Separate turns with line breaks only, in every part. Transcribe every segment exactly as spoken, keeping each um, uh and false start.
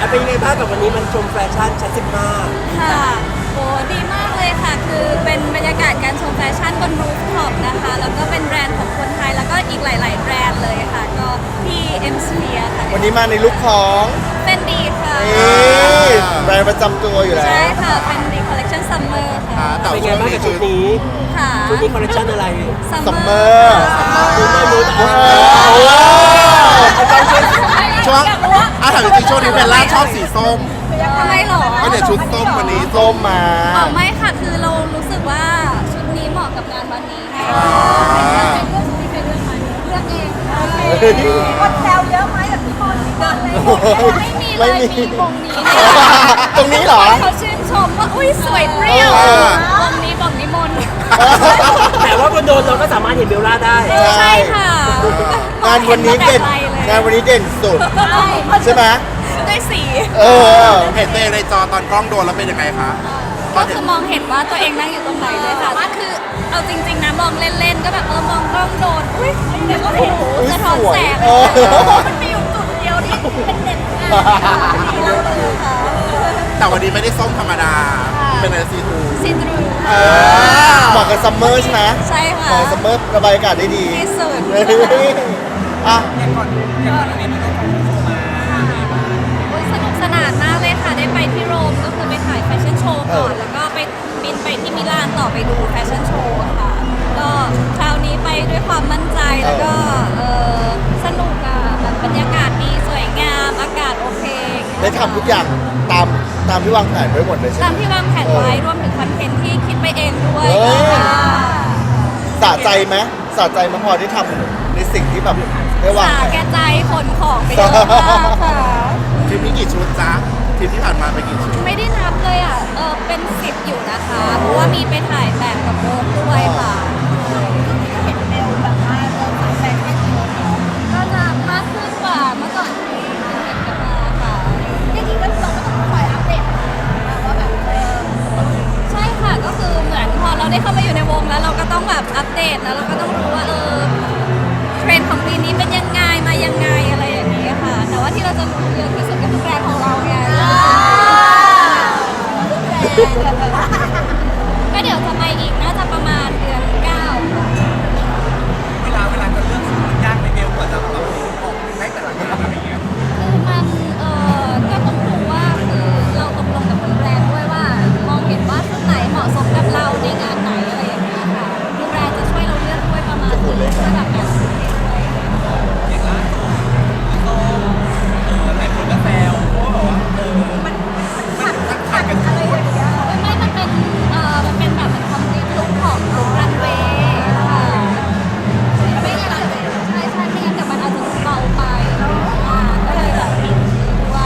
เป็นยังไงบ้างกับวันนี้มันชมแฟชั่นชั้นสิบห้า
ค่ะโอ้ดีมากเลยค่ะ คือเป็นบรรยากาศการชมแฟชั่นบนรูฟท็อปนะคะ แล้วก็เป็นแบรนด์ของคนไทย แล้วก็อีกหลาย ๆ แบรนด์เลยค่ะ ก็ที่ M Sphere ค่ะ
วันนี้มาในลุคของ
เป็นดีค่ะ
นี่แบรนด์ประจำตัวอยู่แล้ว
ใช่ค่ะ เป็นดีคอลเลคชันซัมเมอร์ค่ะ
เป็นยังไงบ้างกับชุดนี้
ค่ะ
ชุดนี้คอลเลคชันอะไร
ซัมเมอร์
รู้ไม่รู้
โอ้
ช่วงอาถามจริงๆช่วงนี้เบลล่าชอบสีส้ม
ทำไมหรอ
ก็เนี่ยชุดส้มวันนี้
ส้มมา
อ๋อไม่ค่ะ คือเรารู้สึกว่าชุดนี้เหมาะกับงานวันนี้ค่ะ
อ่า
เป็นเรื่องที่เคยเลือกไหมเลือกเองคนแซวเยอะไหมแบบพี่บอลเดินเลยไม่มีเลยมีวงนี้เนี่ย
ตรงนี้เหรอ
เขาชื่นชมว่าอุ้ยสวยเปรี้ยววงนี้บอกนิมนต์
แต่ว่าบนโดนเราก็สามารถเห็นเบลล่าได้
ใช่ค่ะ
งานวันนี้เด่นงานวันนี้เด่นสุดใช่ไหม
ด้วยสี
เออ
เห็นตัวเองในจอตอนกล้องโดนแล้วเป็นยังไงคะ
ก็คือมองเห็นว่าตัวเองนั่งอยู่ตรงไหนเลยค่ะว่าคือเอาจริงๆนะมองเล่นๆก็แบบเออมองกล้องโดนอุ้ยเดี๋ยวก็เห็นสะท้อนแสง
เออ
มันมีอยู่จุดเดียวที่เป็นเด่นมากค่ะ
แต่วันนี้ไม่ได้ส้มธรรมดา เป็นอะไรซีทู
ซีทรู
เออเหมาะกับซัมเมอร์ใช่ไหม
ใช่
เห
ค่ะ
มาะกับซัมเมอร์ระบายอากาศได้ดี
ที่สุด
เฮ้ยอ่ะ
โอ้ยสนุกสนานมากเลยค่ะ ได้ไปที่โรมก็คือไปถ่ายแฟชั่นโชว์ก่อน แล้วก็ไปบินไปที่มิลานต่อไปดูแฟชั่นโชว์ค่ะ ก็คราวนี้ไปด้วยความมั่นใจแล้วก็เออสนุกอะแบบบรรยากาศดีสวยงามอากาศโอเค
ได้ทำทุกอย่างตามตามที่วางแผนไว้หมดเลยใช่ไหม
ตามที่วางแผนไว้รวมถึงคอนเทนต์ที่คิดไปเองด้วย
เฮ้ย
ค่ะ
สะใจไหมสะใจไหมพอที่ทำในสิ่งที่แบบได้วาง
สา
แผ
แก่
น
ใจขนของไปเยอะมากค่ะ
ทริปนี้กี่ชุดจ๊ะทริปที่ผ่านมาไปกี่ชุด
ไม่ได้นับเลยอ่ะ เออเป็นสิบอยู่นะคะ เพราะว่ามีไปถ่ายแบบกับโบด้วยค่ะเห็นเบลแบบว่าเริ่มถ่ายแฟชั่นเยอะเนาะก็จะมากขึ้นกว่าเมื่อก่อนที่เห็นกันมาค่ะจริงๆก็เราก็ต้องคอยอัปเดตว่าแบบเออใช่ค่ะ ก็คือเหมือนพอเราได้เข้ามาอยู่ในวงแล้วเราก็ต้องแบบอัปเดตแล้วเราก็ต้องรู้ว่าเออเทรนด์ของปีนี้เป็นยังไงมายังไงอะไรอย่างนี้ค่ะ แต่ว่าที่เราจะรู้เยอะที่สุดก็คือแบรนด์ของเราไง ก็เดี๋ยวจะไปอีกน่าจะประมาณเดือนเก้าค่ะ
เวลาเวลาจะเลือกชุดมันยากในเบลกว่าจะแบบออกได้แต่ละงานอะไรเงี้ย
คือมันเอ่อก็ต้องดูว่าคือเราตกลงกับทางแบรนด์ด้วยว่ามองเห็นว่าชุดไหนเหมาะสมกับเราในงานไหนอะไรอย่างเงี้ยค่ะคือแบรนด์จะช่วยเราเลือกด้วยประมาณนึงช่วยแบบการซื้อเองด้วย
อย่างล่าสุดก็เออหลายคนก็แซวเพราะว่าแบบว่าเออมันมันขัดขัดกันอะไรอย่างเงี้ย
ไม่ไม่มันเป็นเอ่อมันเป็นแบบเป็นคอมพลีทลุคของลุครันเวย์ค่ะไม่งั้นใช่ใช่ไม่งั้นเดี๋ยวมันอาจจะเบาไปอ่าก็เลยแบบปิดด้วย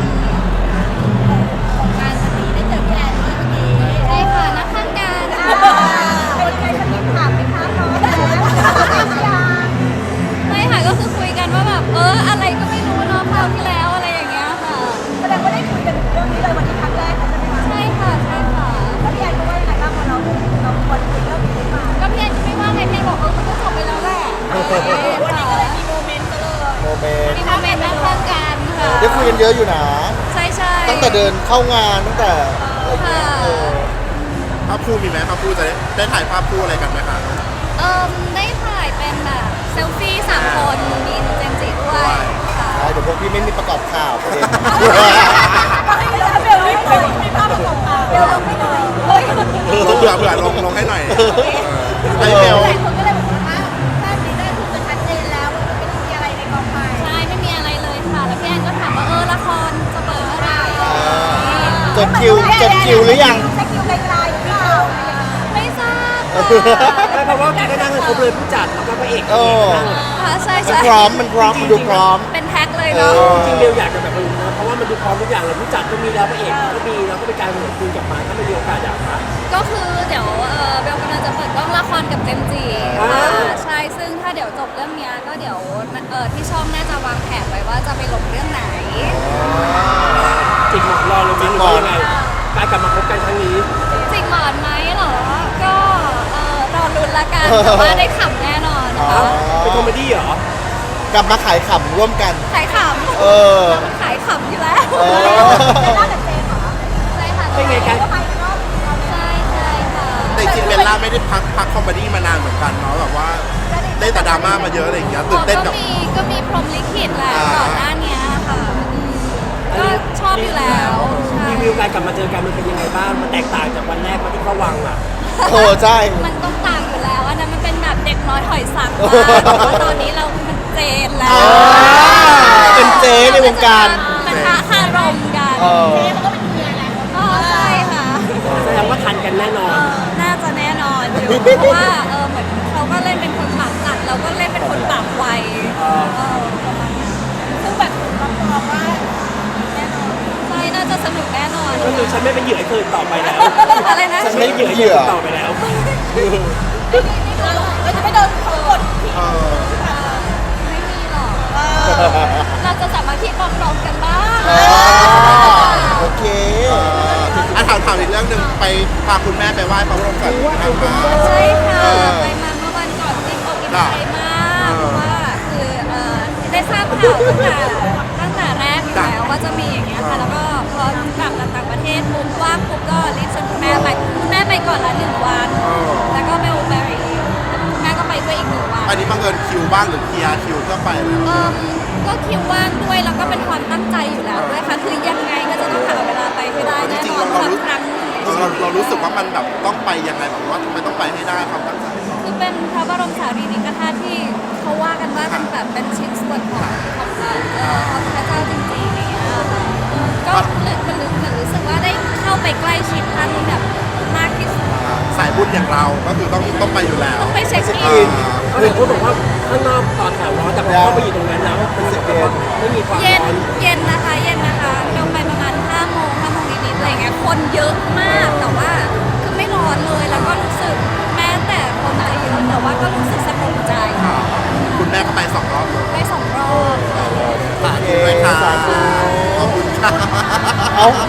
ของงานวันนี้ได้เจอพี่แอนด้วยวันนี้
ใช่ค่ะนักข้างการ
เป็นไงคะพี่ถามไหมคะน้องยัง
ไม่ค่ะก็คือคุยกันว่าแบบเอออะไรก็ไม่รู้เนาะคราวที่แล้วอะไรอย่างเงี้ยค่ะ
แสดงว่าได้คุยกันเรื่องนี้เลยวันนี้ครั้งแรกเลยใช่ไหมคะ
ใช่ค่ะใช่ค่ะ
แล้วพี่แอนก็ว่ายังไงบ้างพอเราเราควรคุยเรื่องนี้ขึ้นมา
ก็พี่แอนก็ไม่ว่าไงพี่แอนบอกเออมันก็จบไปแล้วแหละ
วันนี้ก็เลยมีโมเมนต์กันเลย
โมเมนต์
มีโมเมนต์นักข้างการค่ะ
ได้คุยกันเยอะอยู่นะ
ใช่ใช่
ตั้งแต่เดินเข้างานตั้งแต่อะไรเงี้ยเออ
ภาพคู่มีไหมภาพคู่จะได้ได้ถ่ายภาพคู่อะไรกันไหมคะ
เอิมได้ถ่ายเป็นแบบเซลฟี่สามคนมีเจมส์จิด้วยค่ะ
ใช่เดี๋ยวพวกพี่ไม่มีประกอบข่าวประเด็น
เบลไม่เคยมีภาพประกอบข่าวเบลไม่เคยเฮ้ย
ลงเผื่อเผื่อลงลงให้หน่อยเออไอเบล
หลายคนก็เลยบอกว่าภาพนี้ได้ถูกจะชัดเจนแล้วว่ามันไม่มีอะไรในกองไฟ
ใช่ไม่มีอะไรเลยค่ะ แล้วพี่แอนก็ถามว่าเออละครจะเปิดเมื่อไหร่
จดคิวจดคิวหรือยัง
จะคิวไกลๆหรือเปล่า
ไม่ทราบ
ไม่เพราะว่าพี่ก็นั่งกันครบเลยผู้จัดแล้วก็พระเอก
เออ
นั่ง
ค่ะใช่
มัน
ใช่
พร้อมมันพร้อมมันดูพร้อม
เป็นแพ็คเลย
เอ
เนาะ
อ
จริงๆเบลอยากจะแบบนี้นะเพราะว่ามันดูพร้อมทุกอย่างเลยผู้จัดก็มีแล้วพระเอกก็มีแล้วก็เป็นการคุยกลับมาถ้าไม่มีโอกาสอยากมา
ก็คือเดี๋ยวเอ่อเบลกำลังจะเปิดกล้องละครกับเจมส์จี
อ่า
ค่ะใช่ซึ่งถ้าเดี๋ยวจบเรื่องเนี้ยก็เดี๋ยวเอ่อที่ช่องน่าจะวางแผนไว้ว่าจะไปลงเรื่องไหน
จิกหมอนรอเลยมั้ยหรือว่ายังไงการกลับมาพบกันครั้งนี้
จริงหมอนไหมเหรอ ก็เอ่อรอลุ้นละกันแต่ว่าได้ขำแน่นอน
อ๋อ
ค่ะ
เป็นคอมเมดี้เหรอ
ค
กลับมาขายขำร่วมกัน
ขายขำ
เออ
มันขายขำอยู่แล้ว
เออ
ไม่น่าจะเจนเหรอ
ใช่ค่ะ
เป็นไงกัน
ก็ไปรอบเรา
ใช่ใช่ค่ะ
แต่จริงๆเบลล่าไม่ได้พักพักคอมเมดี้มานานเหมือนกันเนาะแบบว่าได้แต่ดราม่ามาเยอะอะไรอย่างเงี้ยตื่นเต้นกับ
ก็มีก็มีพรหมลิขิตแหละ
อ่า
ก่อนหน้านี้ค่ะอืมก็ชอบอยู่แล้วใช่
รีวิวการกลับมาเจอกันมันเป็นยังไงบ้างมันแตกต่างจากวันแรกมาที่เข้าวังอ่ะ
โอ้ใช่
มันต้องต่างอยู่แล้วอันนั้นมันเป็นแบบเด็กน้อยหอยสังมากแต่ว่าตอนนี้เรามันเจนแล้ว
อ่าเป็นเจ๊ในวงการ
มันท้าคารมกัน
เออ
เขาก็เป็นเมียไง
อ๋อใช่ค่ะ
แสดงว่าทันกันแน่นอน
น่าจะแน่นอนอยู่เพราะว่าเออเหมือนเขาก็เล่นเป็นคนปากจัดเราก็เล่นเป็นคนปากไวเออประมาณนั้น
ซึ่งแบบรับรองว่า
ใช่น่าจะสนุกแน่นอน
ก็คือฉันไม่เป็นเหยื่อให้เธออีกต่อไปแล้ว
อะไรนะ
ฉันไม่เป็นเหยื่อให้เธออีกต่อไปแล้ว
เราเราจะไม่โดนเขากดขี่
เออ
ไม่มีหรอก เราจะสามัคคีปรองดองกันบ้าง
อ่าโอเค
อ่ะถามถามอีกเรื่องหนึ่งไปพาคุณแม่ไปไหว้พระบรมสารีริกธาตุมา
ใช่ค่ะ
เออ
ไปมาเมื่อวันก่อนจริงอกอิ่ม
จ้ะ
ใจมากเพราะว่าคือเอ่อได้ทราบข่าวตั้งแต่ตั้งแต่แรกอยู่แล้วว่าจะมีอย่างเงี้ยค่ะ แล้วก็พอกลับจากต่างประเทศปุ๊บว่างปุ๊บก็รีบชวนคุณแม่ไปคุณแม่ไปก่อนละหนึ่งวัน แล้วก็ไปโอเปรีคุณแม่ก็ไปด้วยอีกหนึ่งวัน
อันนี้บังเอิญคิวบ้างหรือเคลียร์คิวเพื่อไปแล้ว
เอิ่มก็คิวว่างด้วยแล้วก็เป็นความตั้งใจอยู่แล้วด้วยค่ะคือยังไงก็จะต้องหาเวลาไปให้ได้
จ
แน่
ริง
น
ๆ
อน
เรา
สั
เรา
ก
รู้
ครั้งหนึ่งในชี
เรา
วิต
เรารู้สึกว่ามันแบบต้องไปยังไงแบบว่าทำไมต้องไปให้ได้ความตั้งใจ
คือเป็นพระบรมสารีริกธาตุที่เขาว่ากันว่าเป็นแบบเป็นชิ้นส่วนของของพระเอ่อของพระเจ้าจริงๆอย่างเงี้ยค่ะก็เลยมันรู้มันรู้สึกว่าได้เข้าไปใกล้ชิดท่านแบบมากที่สุด
สายบุญอย่างเราก็คือต้องต้องไปอยู่แล้ว
ต้องไปเช็ค
เช็ค
อิ
อิ
น
น
เขาเห็นคนบอกว่าข้างนอกตอนแถวร้อนแต่พอเข้าไปอยู่ตรงนั้นแล้วมันรู้สึกว่าไม่มีความ
เย็น
ร้อน
เย็นนะคะเย็นนะคะเราไปประมาณห้าโมงห้าโมงนิดๆอะไรเงี้ยคนเยอะมากแต่ว่าคือไม่ร้อนเลยแล้วก็รู้สึกแม้แต่คนจะเยอะแต่ว่าก็รู้สึกสงบใจ
คุณแม่ก็ไปสองรอบเลย
ไปสองรอบ
สาธุด้วยค่ะขอบคุณค่ะ
เอา